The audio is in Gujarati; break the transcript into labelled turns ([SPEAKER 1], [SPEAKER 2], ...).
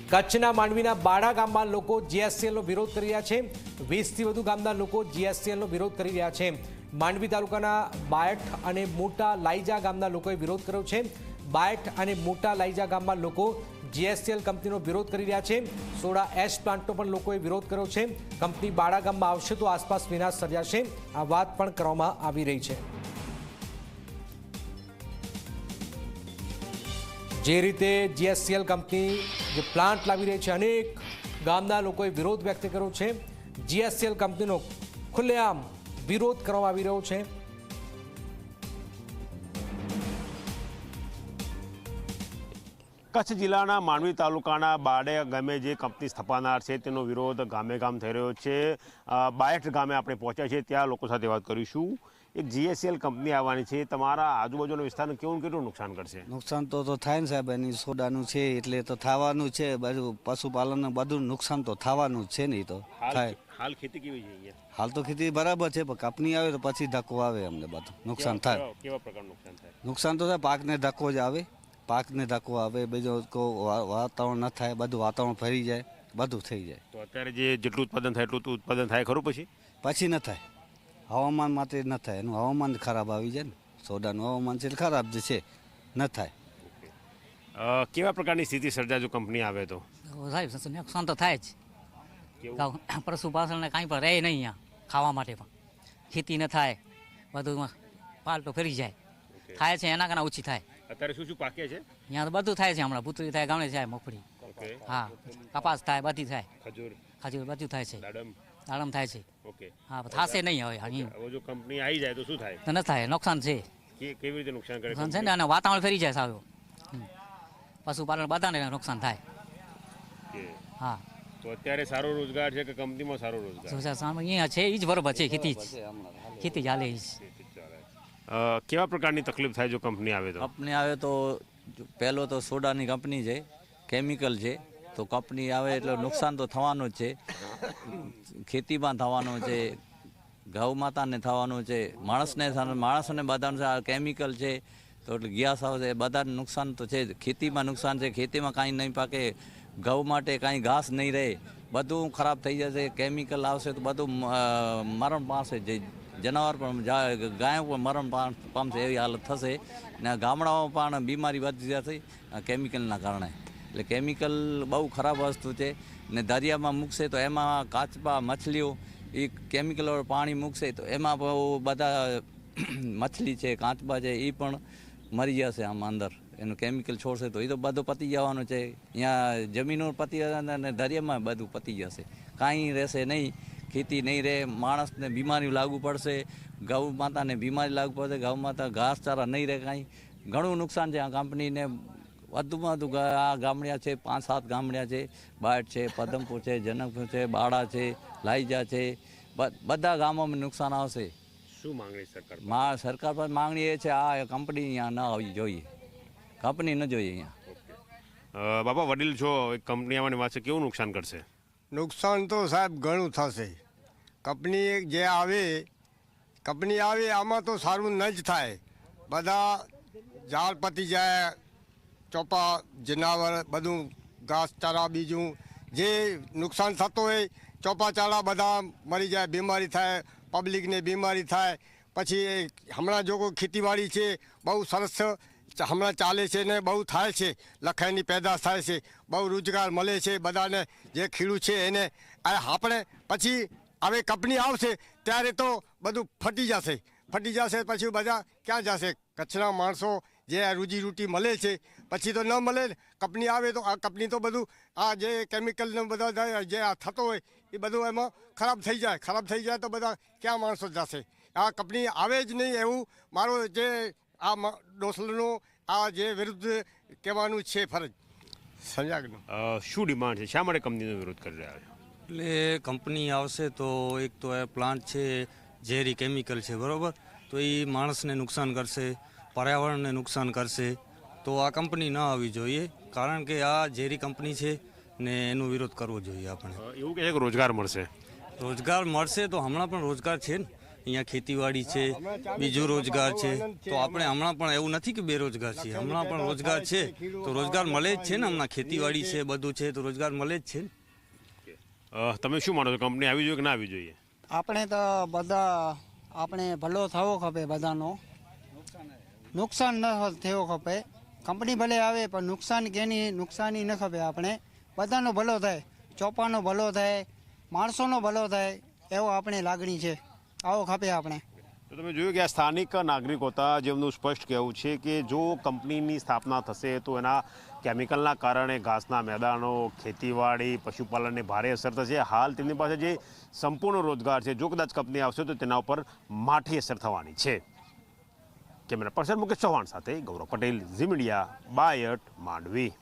[SPEAKER 1] કચ્છના માંડવીના બાડા ગામમાં લોકો જીએસસીએલનો વિરોધ કરી રહ્યા છે। 20થી વધુ ગામના લોકો જીએસસીએલનો વિરોધ કરી રહ્યા છે। માંડવી તાલુકાના બાયઠ અને મોટા લાઈજા ગામના લોકોએ વિરોધ કર્યો છે। બાયઠ અને મોટા લાઈજા ગામમાં લોકો જીએસસીએલ કંપનીનો વિરોધ કરી રહ્યા છે। સોડા એશ પ્લાન્ટનો પણ લોકોએ વિરોધ કર્યો છે। કંપની બાડા ગામમાં આવશે તો આસપાસ વિનાશ સર્જાશે, આ વાત પણ કરવામાં આવી રહી છે। જે રીતે જીએસસીએલ કંપની જે પ્લાન્ટ લાવી રહી છે, અનેક ગામના લોકોએ વિરોધ વ્યક્ત કર્યો છે। જીએસસીએલ કંપનીનો ખુલ્લેઆમ વિરોધ કરવામાં આવી રહ્યો છે।
[SPEAKER 2] કચ્છ જિલ્લાના માંડવી તાલુકાના બાડે ગામે જે કંપની સ્થાપનાર છે તેનો વિરોધ ગામે ગામ થઈ રહ્યો છે। બાયઠ ગામે આપણે પહોંચ્યા છીએ, ત્યાં લોકો સાથે વાત કરીશું। એક જીએસસીએલ કંપની આવવાની છે, તમારા આજુબાજુના વિસ્તારને કેવું કેટલું નુકસાન કરશે?
[SPEAKER 3] નુકસાન તો થાય ને સાહેબ, એની સોડાનું છે એટલે તો થવાનું છે। બધું પશુપાલનનું બધું નુકસાન તો થવાનું જ છે ને। તો થાય।
[SPEAKER 2] હાલ ખેતી કેવી છે અહીંયા?
[SPEAKER 3] હાલ તો ખેતી બરાબર છે, પણ કંપની આવે તો પછી ધક્કો આવે, અમને બધું નુકસાન થાય।
[SPEAKER 2] કેવા પ્રકારનું નુકસાન થાય?
[SPEAKER 3] નુકસાન તો થાય, પાકને ધક્કો જ આવે, પાકને ધક્કો આવે, બીજો વાતાવરણ ન થાય, બધું વાતાવરણ ફરી જાય, બધું થઈ જાય।
[SPEAKER 2] તો અત્યારે જેટલું ઉત્પાદન થાય એટલું ઉત્પાદન થાય ખરું?
[SPEAKER 3] પછી ન થાય, હવામાન માટે ન થાય, એનું હવામાન ખરાબ આવી જાય ને। સોડાનું હવામાન છે ખરાબ જ છે, ન થાય।
[SPEAKER 2] કેવા પ્રકારની સ્થિતિ સર્જાય જો કંપની આવે તો?
[SPEAKER 4] સાહેબ નુકસાન તો થાય જ। પશુપાલનને કાંઈ પણ રહે નહીં, અહીંયા ખાવા માટે પણ ખેતી ન થાય, બધું પાલટો ફરી જાય, થાય છે એના કરતાં ઓછી થાય।
[SPEAKER 2] અત્યારે શું શું પાકે છે
[SPEAKER 4] અહીંયા તો બધું થાય છે, હમણાં ભૂતરી થાય, ગામડે થાય, મગફળી, હા, કપાસ થાય, બધી થાય, ખજૂર બધું થાય છે, દાડમ થાય છે। હા, થશે નહીં હવે
[SPEAKER 2] જો કંપની આવી જાય તો શું થાય?
[SPEAKER 4] તો ન થાય, નુકસાન છે।
[SPEAKER 2] કેવી રીતે નુકસાન કરે?
[SPEAKER 4] નુકસાન છે ને, અને વાતાવરણ ફરી જાય સારું, પશુપાલન બધાને નુકસાન થાય। હા,
[SPEAKER 2] તો અત્યારે સારો રોજગાર છે કે કંપનીમાં સારો રોજગાર?
[SPEAKER 4] અહીંયા છે એ જ બરોબર છે, ખેતી જ હાલે જ।
[SPEAKER 2] કેવા પ્રકારની તકલીફ થાય જો કંપની આવે તો?
[SPEAKER 5] કંપની આવે તો પહેલો તો સોડાની કંપની છે, કેમિકલ છે, તો કંપની આવે એટલે નુકસાન તો થવાનું જ છે। ખેતીમાં થવાનું છે, ગૌ માતાને થવાનું છે, માણસને બધાનું છે। આ કેમિકલ છે તો એટલે ગેસ આવશે, બધાને નુકસાન તો છે। ખેતીમાં નુકસાન છે, ખેતીમાં કાંઈ નહીં પાકે, ગૌ માટે કાંઈ ઘાસ નહીં રહે, બધું ખરાબ થઈ જશે। કેમિકલ આવશે તો બધું મરણ પામશે, જે જનાવર પણ ગાયો પણ મરણ પામશે, એવી હાલત થશે। ને ગામડાઓમાં પણ બીમારી વધી જશે કેમિકલના કારણે। એટલે કેમિકલ બહુ ખરાબ વસ્તુ છે। ને દરિયામાં મૂકશે તો એમાં કાચબા મછલીઓ એ કેમિકલ પાણી મૂકશે તો એમાં બહુ બધા મછલી છે, કાચબા છે, એ પણ મરી જશે આમાં અંદર। એનું કેમિકલ છોડશે તો એ તો બધું પતી જવાનું છે। અહીંયા જમીનો પતી જશે અને દરિયામાં બધું પતી જશે, કાંઈ રહેશે નહીં, ખેતી નહીં રહે, માણસને બીમારી લાગુ પડશે, ગૌ માતાને બીમારી લાગુ પડશે, ગૌ માતા ઘાસચારા નહીં રહે, કાંઈ ઘણું નુકસાન છે આ કંપનીને। વધુમાં વધુ આ ગામડિયા છે, 5-7 ગામડિયા છે, બાયઠ છે, પદમપુર છે, જનકપુર છે, બાડા છે, લાઈજા છે, બધા ગામોમાં નુકસાન આવશે।
[SPEAKER 2] શું માંગણી સરકાર?
[SPEAKER 5] સરકાર પર માંગણી એ છે આ કંપની અહીંયા ન આવવી જોઈએ, કંપની ન જોઈએ અહીંયા।
[SPEAKER 2] બાપા વડીલ છો, એક કંપની આવવાની વાત છે, કેવું નુકસાન કરશે?
[SPEAKER 6] નુકસાન તો સાહેબ ઘણું થશે। કંપની જે આવે આમાં તો સારું ન જ થાય। બધા ઝાડ પતી જાય, ચોપા જનાવર બધું ઘાસચારા બીજું જે નુકસાન થતો હોય, ચોપા ચારા બધા મરી જાય, બીમારી થાય, પબ્લિકને બીમારી થાય। પછી હમણાં જો કોઈ ખેતીવાડી છે બહુ સરસ હમણાં ચાલે છે ને બહુ થાય છે, લખાઈની પેદાશ થાય છે, બહુ રોજગાર મળે છે બધાને, જે ખેડૂત છે એને। આપણે પછી હવે કંપની આવશે ત્યારે તો બધું ફટી જશે, પછી બધા ક્યાં જશે? કચ્છના માણસો જે આ રોજીરોટી મળે છે પછી તો ન મળે ને। કંપની આવે તો આ કંપની તો બધું આ જે કેમિકલને બધા જે આ થતો હોય એ બધું એમાં ખરાબ થઈ જાય તો બધા ક્યાં માણસો જશે? આ કંપની આવે જ નહીં એવું મારો જે આ ડોસલનું આ જે વિરુદ્ધ કહેવાનું છે ફરજ સમજાગનું।
[SPEAKER 2] શું ડિમાન્ડ છે, શા માટે કંપનીનો વિરોધ કરી રહ્યા છે?
[SPEAKER 7] એટલે કંપની આવશે તો એક તો એ પ્લાન્ટ છે, ઝેરી કેમિકલ છે, બરાબર, તો એ માણસને નુકસાન કરશે, પર્યાવરણને નુકસાન કરશે, તો આ કંપની ન આવવી જોઈએ। કારણ કે આ ઝેરી કંપની છે ને એનો વિરોધ કરવો જોઈએ આપણે।
[SPEAKER 2] એવું કહે છે કે રોજગાર મળશે?
[SPEAKER 7] રોજગાર મળશે તો હમણાં પણ રોજગાર છે ને, અહીંયા ખેતીવાડી છે, બીજો રોજગાર છે. તો આપણે હમણાં પણ એવું નથી કે બેરોજગાર છીએ, હમણાં પણ રોજગાર છે. તો રોજગાર મળે જ છે ને, હમણાં ખેતીવાડી છે, બધું છે, તો રોજગાર મળે જ છે ને.
[SPEAKER 2] તમે શું માનો છો, કંપની આવી જોઈએ કે ના આવી જોઈએ?
[SPEAKER 8] આપણે તો બધા આપણે ભલો થવો ખપે, બધાનો નુકસાન ન થવો ખપે. કંપની ભલે આવે પણ નુકસાન કેની નુકસાની ન ખપે. આપણે બધાનો ભલો થાય, ચોપાનો ભલો થાય, માણસોનો ભલો થાય, એવો આપણે લાગણી છે, આવો ખપે આપણે.
[SPEAKER 2] તો તમે જોયું કે આ સ્થાનિક નાગરિકો હતા જેમનું સ્પષ્ટ કહેવું છે કે જો કંપનીની સ્થાપના થશે તો એના કેમિકલના કારણે ઘાસના મેદાનો, ખેતીવાડી, પશુપાલનને ભારે અસર થશે. હાલ તેમની પાસે જે સંપૂર્ણ રોજગાર છે, જો કદાચ કંપની આવશે તો તેના ઉપર માઠી અસર થવાની છે. કેમેરા પર્સન મુકેશ ચૌહાણ સાથે ગૌરવ પટેલ, ઝી મીડિયા, બાયટ, માંડવી.